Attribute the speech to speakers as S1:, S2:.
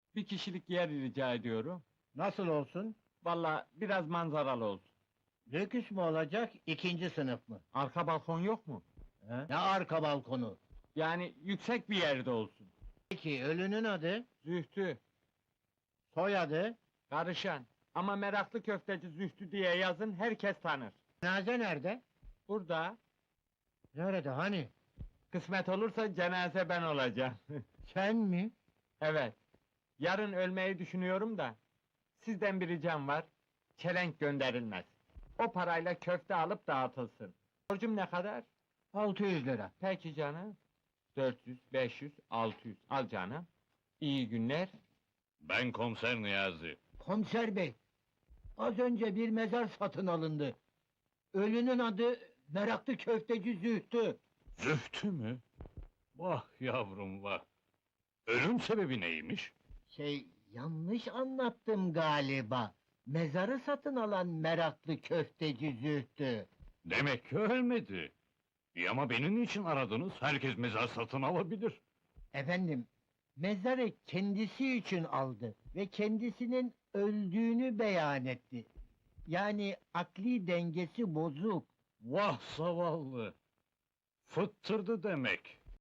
S1: Bir kişilik yer rica ediyorum.
S2: Nasıl olsun?
S1: Vallahi biraz manzaralı olsun.
S2: Lüküs mü olacak, ikinci sınıf mı?
S1: Arka balkon yok mu?
S2: He? Ne arka balkonu?
S1: Yani yüksek bir yerde olsun.
S2: Peki, ölünün adı,
S1: Zühtü,
S2: soyadı,
S1: karışan. Ama meraklı köfteci Zühtü diye yazın, herkes tanır.
S2: cenaze nerede?
S1: Burada,
S2: Nerede, hani?
S1: kısmet olursa cenaze ben olacağım.
S2: Sen mi?
S1: Evet, yarın ölmeyi düşünüyorum da, sizden bir ricam var, çelenk gönderilmez. O parayla köfte alıp dağıtılsın. Borcum ne kadar?
S2: 600 lira.
S1: Peki canım. 400, 500, 600. Al canım. İyi günler.
S3: Ben komiser Niyazi.
S2: Komiser bey, az önce bir mezar satın alındı. Ölünün adı meraklı köfteci Zühtü.
S3: Zühtü mü? Vah yavrum vah! Ölüm sebebi neymiş?
S2: Yanlış anlattım galiba. Mezarı satın alan meraklı köfteci Zühtü.
S3: Demek ki ölmedi. İyi ama beni niçin aradınız? Herkes mezar satın alabilir.
S2: Efendim, mezarı kendisi için aldı ve kendisinin öldüğünü beyan etti. Yani akli dengesi bozuk.
S3: Vah zavallı! Fıttırdı demek.